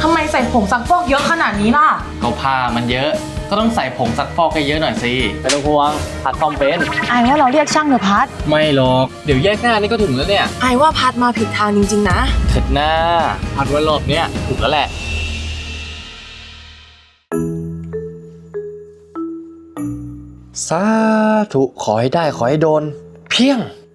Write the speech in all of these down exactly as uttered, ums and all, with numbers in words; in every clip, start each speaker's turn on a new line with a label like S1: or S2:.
S1: ทำไมใส่ผงซักฟอกเยอะขนาดนี้ล่ะ
S2: ก็ผ้ามันเยอะก็ต้องใส่ผงซักฟอกให้เยอะหน่อยสิไม่ต้องห่วงพัดซ่อมเป็น
S1: ไอว่าเราเรียกช่างเถอะพัด
S2: ไม่หรอกเดี๋ยวแยกหน้านี่ก็ถึงแล้วเนี่ย
S1: ไอว่าพัดมาผิดทางจริงๆนะ
S2: เถิดหน้าพัดว่ารอบเนี้ยถูกแล้วแหละสาธุขอให้ได้ขอให้โดนเพียง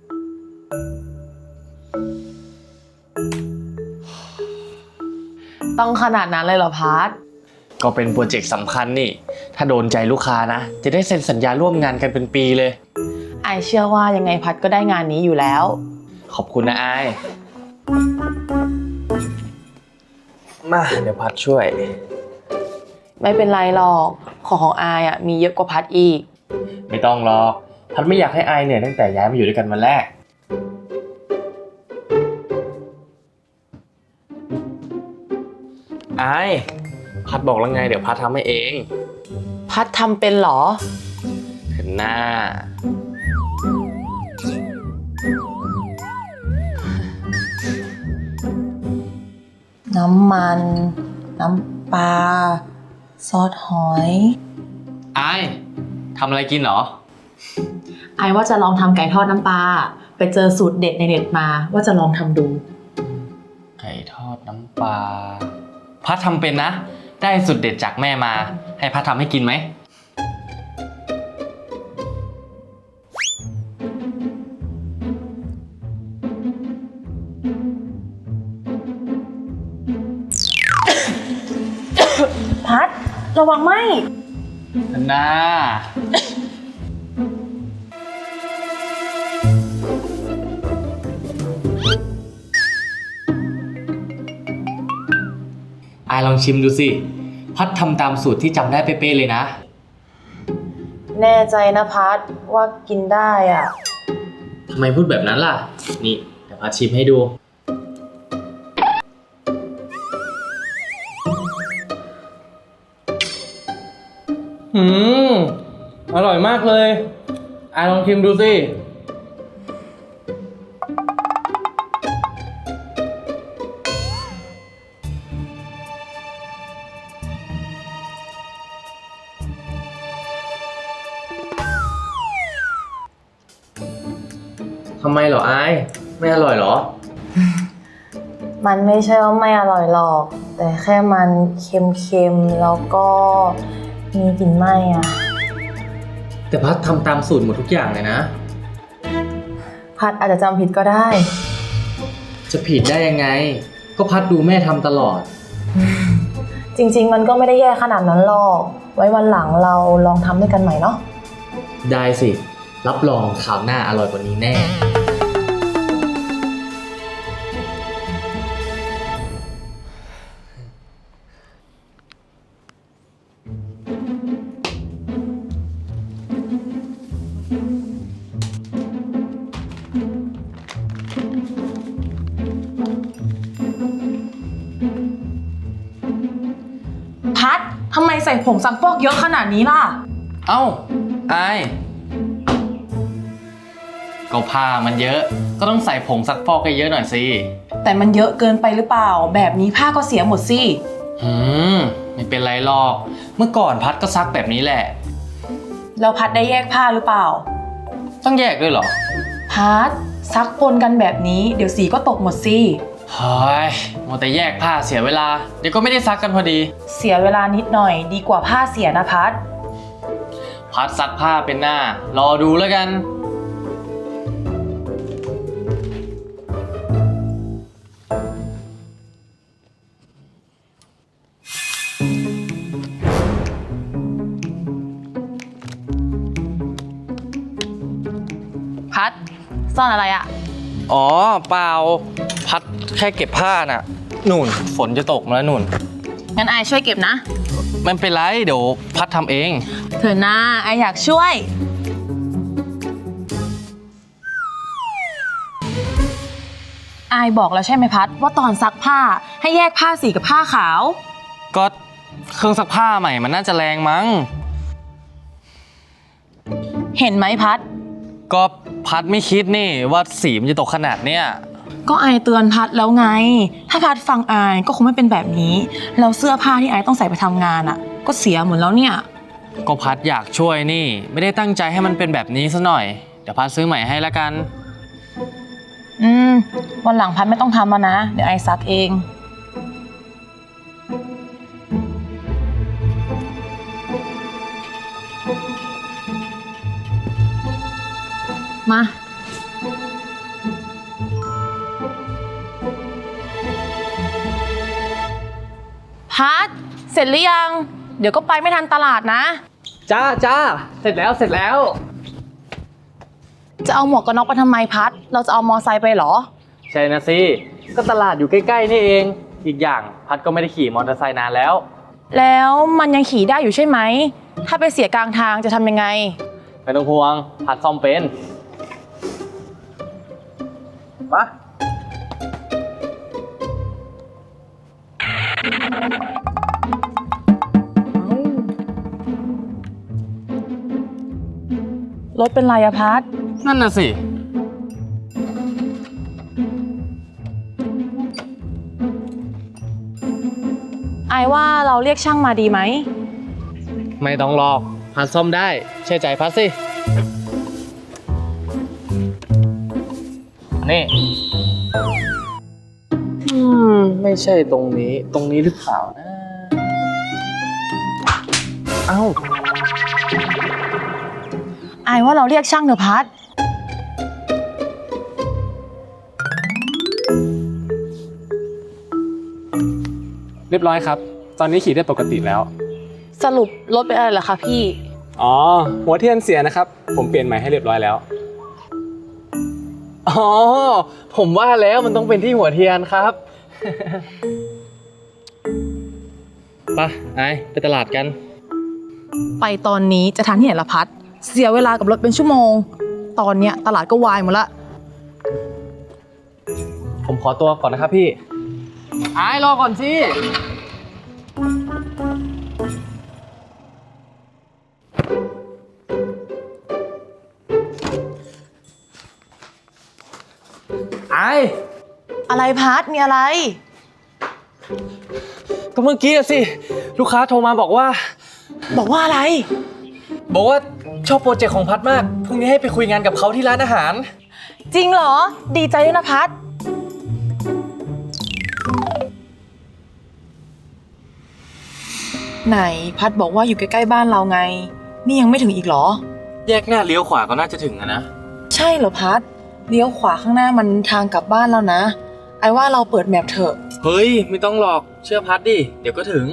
S1: ต้องขนาดนั้นเลยเหรอพัด
S2: ก็เป็นโปรเจกต์สำคัญนี่ถ้าโดนใจลูกค้านะจะได้เซ็นสัญญาร่วมงานกันเป็นปีเลย
S1: ไอเชื่อว่ายังไงพัดก็ได้งานนี้อยู่แล้ว
S2: ขอบคุณนะไอมาเดี๋ยวพัดช่วย
S1: ไม่เป็นไรหรอกของของไออ่ะมีเยอะกว่าพัดอีก
S2: ไม่ต้องหรอกพัดไม่อยากให้ไอเหนื่อยตั้งแต่ย้ายมาอยู่ด้วยกันวันแรกไอพัดบอกแล้วไงเดี๋ยวพัดทำให้เอง
S1: พัดทำเป็นหรอ
S2: เห็นหน้า
S1: น้ำมันน้ำปลาซอสหอย
S2: ไอทำอะไรกินเหรอ
S1: ไอว่าจะลองทำไก่ทอดน้ำปลาไปเจอสูตรเด็ดในเน็ตมาว่าจะลองทำดู
S2: ไก่ทอดน้ำปลาพัดทำเป็นนะได้สูตรเด็ดจากแม่มาให้พัดทำให้กินไหม
S1: พัดระวังไหม
S2: น่าไอลองชิมดูสิพัดทำตามสูตรที่จำได้เป๊ะๆเลยนะ
S1: แน่ใจนะพัดว่ากินได้อ่ะ
S2: ทำไมพูดแบบนั้นล่ะนี่เดี๋ยวพัดชิมให้ดูอืมอร่อยมากเลยไอลองชิมดูสิทำไมเหรอไอไม่อร่อยเหรอ
S1: มันไม่ใช่ว่าไม่อร่อยหรอกแต่แค่มันเค็มๆแล้วก็มีกลิ่นไหม้อ่ะ
S2: แต่พัดทำตามสูตรหมดทุกอย่างเลยนะ
S1: พัดอาจจะจำผิดก็ได้
S2: จะผิดได้ยังไงก็พัดดูแม่ทำตลอด
S1: จริงๆมันก็ไม่ได้แย่ขนาดนั้นหรอกไว้วันหลังเราลองทำด้วยกันใหม่เนาะ
S2: ได้สิรับรองคราวหน้าอร่อยกว่านี้แน่
S1: พัดทำไมใส่ผงซักฟอกเยอะขนาดนี้ล่ะ
S2: เอ้าไอก็ผ้ามันเยอะก็ต้องใส่ผงซักฟอกให้เยอะหน่อยสิ
S1: แต่มันเยอะเกินไปหรือเปล่าแบบนี้ผ้าก็เสียหมดสิ
S2: หืมไม่เป็นไรหรอกเมื่อก่อนพัดก็ซักแบบนี้แหละ
S1: แล้วพัดได้แยกผ้าหรือเปล่า
S2: ต้องแยกด้วยเหรอ
S1: พัดซักปนกันแบบนี้เดี๋ยวสีก็ตกหมดสิ
S2: เฮ้ยมัวแต่แยกผ้าเสียเวลาเดี๋ยวก็ไม่ได้ซักกันพอดี
S1: เสียเวลานิดหน่อยดีกว่าผ้าเสียนะพัด
S2: พัดซักผ้าเป็นหน้ารอดูแล้วกัน
S1: พัดซ่อนอะไรอะ
S2: อ๋อเปล่าพัดแค่เก็บผ้าน่ะนู่นฝนจะตกมาแล้วนู่น
S1: งั้นไอช่วยเก็บนะ
S2: ไม่เป็นไรเดี๋ยวพัดทำเอง
S1: เธอหน้าไออยากช่วยไอบอกแล้วใช่ไหมพัดว่าตอนซักผ้าให้แยกผ้าสีกับผ้าขาว
S2: ก็เครื่องซักผ้าใหม่มันน่าจะแรงมั้ง
S1: เห็นไหมพัด
S2: ก็พัดไม่คิดนี่ว่าสีมันจะตกขนาดเนี้ย
S3: ก็อายเตือนพัดแล้วไงถ้าพัดฟังอายก็คงไม่เป็นแบบนี้แล้วเสื้อผ้าที่อายต้องใส่ไปทำงานอ่ะก็เสียหมดแล้วเนี่ย
S2: ก็พัดอยากช่วยนี่ไม่ได้ตั้งใจให้มันเป็นแบบนี้ซะหน่อยเดี๋ยวพัดซื้อใหม่ให้ละกัน
S3: อืมวันหลังพัดไม่ต้องทำแล้วนะเดี๋ยวอายซักเองมาพัดเสร็จหรือยังเดี๋ยวก็ไปไม่ทันตลาดนะ
S2: จ้าจ้าเสร็จแล้วเสร็จแล้ว
S3: จะเอาหมวกกันน็อกไปทำไมพัดเราจะเอามอไซค์ไปเหรอ
S2: ใช่นะสิก็ตลาดอยู่ใกล้ๆนี่เองอีกอย่างพัดก็ไม่ได้ขี่มอเตอร์ไซค์นานแล้ว
S3: แล้วมันยังขี่ได้อยู่ใช่ไหมถ้าไปเสียกลางทางจะทำยังไง
S2: ไม่ต้องห่วงพัดซ่อมเป็นม
S3: ารถเป็นไรอะพัด
S2: นั่นน่ะสิ
S3: ไอว่าเราเรียกช่างมาดีไหม
S2: ไม่ต้องหรอกพัดซ่อมได้เชื่อใจพัดสินี่อืมไม่ใช่ตรงนี้ตรงนี้หรือเปล่านะเอ้า
S3: ไอว่าเราเรียกช่างเถอะพัด
S4: เรียบร้อยครับตอนนี้ขี่ได้ปกติแล้ว
S3: สรุปรถเป็นอะไรเหรอคะพี่
S4: อ๋อหัวเทียนเสียนะครับผมเปลี่ยนใหม่ให้เรียบร้อยแล้ว
S2: อ๋อผมว่าแล้วมันต้องเป็นที่หัวเทียนครับไปไอไปตลาดกัน
S3: ไปตอนนี้จะทันที่ไหนละพัดเสียเวลากับรถเป็นชั่วโมงตอนเนี้ยตลาดก็วายหมดละ
S2: ผมขอตัวก่อนนะครับพี่ไอรอก่อนสิไอ
S3: อะไรพัดมีอะไร
S2: ก็เมื่อกี้สิลูกค้าโทรมาบอกว่า
S3: บอกว่าอะไร
S2: บอกว่าชอบโปรเจกต์ของพัดมากพรุ่งนี้ให้ไปคุยงานกับเขาที่ร้านอาหาร
S3: จริงเหรอดีใจด้วยนะพัดไหนพัดบอกว่าอยู่ใกล้ๆบ้านเราไงนี่ยังไม่ถึงอีกเหรอ
S2: แยกหน้าเลี้ยวขวาก็น่าจะถึงอะนะ
S3: ใช่เหรอพัดเลี้ยวขวาข้างหน้ามันทางกลับบ้านแล้วนะไอ้ว่าเราเปิดแมพเถอะ
S2: เฮ้ยไม่ต้องหรอกเชื่อพัดดิเดี๋ยวก็ถึง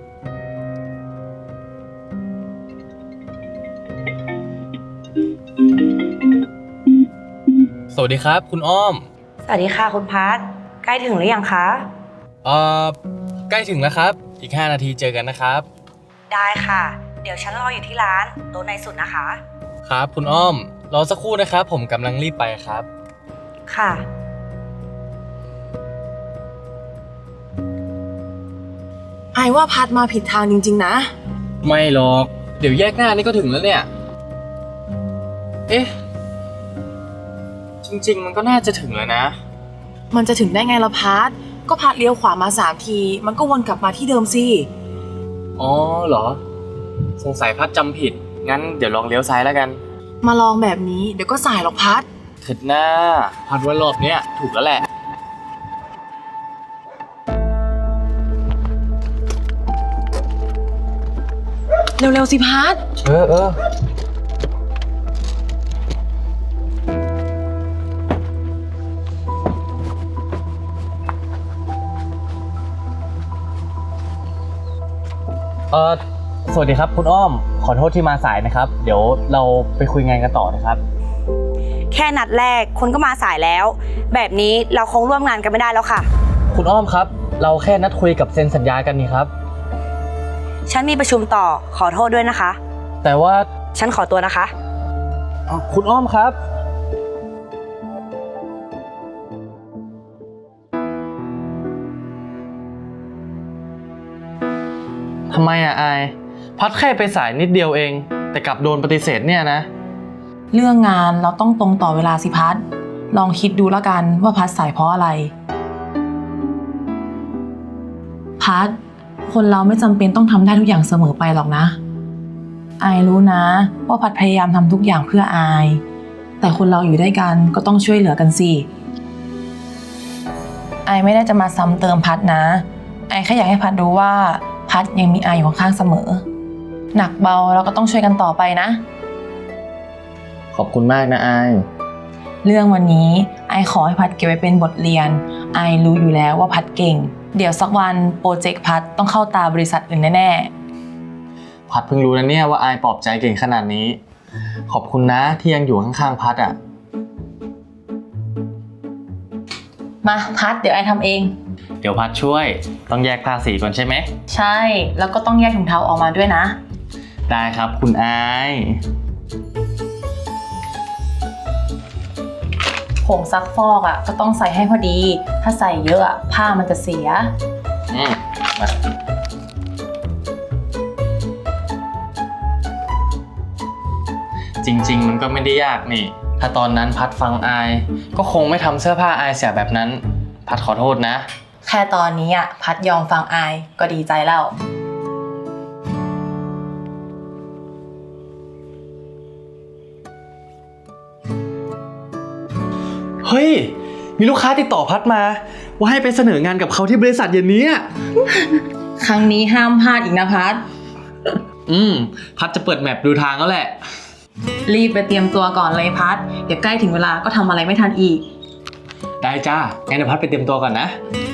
S2: สวัสดีครับคุณอ้อม
S5: สวัสดีค่ะคุณพัดใกล้ถึงหรือยังคะ
S2: เอ่อใกล้ถึงแล้วครับอีกห้านาทีเจอกันนะครับ
S5: ได้ค่ะเดี๋ยวฉันรออยู่ที่ร้านโต๊ะในสุดนะคะ
S2: ครับคุณอ้อมรอสักครู่นะครับผมกำลังรีบไปครับ
S5: ค่ะ
S3: ไอ้ว่าพัดมาผิดทางจริงๆนะ
S2: ไม่หรอกเดี๋ยวแยกหน้านี่ก็ถึงแล้วเนี่ยเอ๊ะจริงๆมันก็น่าจะถึงแล้วนะ
S3: มันจะถึงได้ไงล่ะพัดก็พัดเลี้ยวขวามาสามทีมันก็วนกลับมาที่เดิมสิ
S2: อ๋อเหรอสงสัยพัดจำผิดงั้นเดี๋ยวลองเลี้ยวซ้ายแล้วกัน
S3: มาลองแบบนี้เดี๋ยวก็สายหรอกพัด
S2: ถึงหน้าพัดว่ารอบเนี้ยถูกแล้วแหละ
S3: เร็วๆสิพัด
S2: เออเออเออสวัสดีครับคุณอ้อมขอโทษที่มาสายนะครับเดี๋ยวเราไปคุยงานกันต่อนะครับ
S5: แค่นัดแรกคุณก็มาสายแล้วแบบนี้เราคงร่วมงานกันไม่ได้แล้วค่ะ
S2: คุณอ้อมครับเราแค่นัดคุยกับเซ็นสัญญากันนี่ครับ
S5: ฉันมีประชุมต่อขอโทษด้วยนะคะ
S2: แต่ว่า
S5: ฉันขอตัวนะคะ
S2: คุณอ้อมครับทำไมอ่ะอายพัดแค่ไปสายนิดเดียวเองแต่กลับโดนปฏิเสธเนี่ยนะ
S3: เรื่องงานเราต้องตรงต่อเวลาสิพัดลองคิดดูแล้วกันว่าพัดสายเพราะอะไร พัดคนเราไม่จำเป็นต้องทำได้ทุกอย่างเสมอไปหรอกนะอายรู้นะว่าพัดพยายามทำทุกอย่างเพื่ออายแต่คนเราอยู่ด้วยกันก็ต้องช่วยเหลือกันสิอายไม่ได้จะมาซ้ำเติมพัดนะอายแค่อยากให้พัดรู้ว่าพัดยังมีอายอยู่ข้างๆเสมอหนักเบาเราก็ต้องช่วยกันต่อไปนะ
S2: ขอบคุณมากนะอาย
S3: เรื่องวันนี้ไอขอให้พัดเก็บไว้เป็นบทเรียนไอรู้อยู่แล้วว่าพัดเก่งเดี๋ยวสักวันโปรเจกต์พัดต้องเข้าตาบริษัทอื่นแน่ๆ
S2: พัดเพิ่งรู้นะเนี่ยว่าอายปลอบใจเก่งขนาดนี้ ขอบคุณนะที่ยังอยู่ข้างๆพัดอ่ะ
S3: มาพัดเดี๋ยวไอทำเอง
S2: เดี๋ยวพัดช่วยต้องแยกผ้าสีก่อนใช่ไหม
S3: ใช่แล้วก็ต้องแยกถุงเท้าออกมาด้วยนะ
S2: ได้ครับคุณอาย
S3: ผงซักฟอกอ่ะก็ต้องใส่ให้พอดีถ้าใส่เยอะอ่ะผ้ามันจะเสีย
S2: อืมมาจริงๆมันก็ไม่ได้ยากนี่ ถ้าตอนนั้นพัดฟังอาย ก็คงไม่ทำเสื้อผ้าอายเสียแบบนั้น พัดขอโทษนะ
S3: แค่ตอนนี้อ่ะพัดยอมฟังไอก็ดีใจแล้ว
S2: เฮ้ย มีลูกค้าติดต่อพัดมา ว่าให้ไปเสนองานกับเขาที่บริษัทเย็นนี้อะ
S3: ครั้งนี้ห้ามพลาดอีกนะพัด
S2: อืม พัดจะเปิดแมปดูทางแล้วแหละ
S3: รีบไปเตรียมตัวก่อนเลยพัดเดี๋ยวใกล้ถึงเวลาก็ทำอะไรไม่ทันอีก
S2: ได้จ้า งั้นเดี๋ยวพัดไปเตรียมตัวก่อนนะ
S3: ค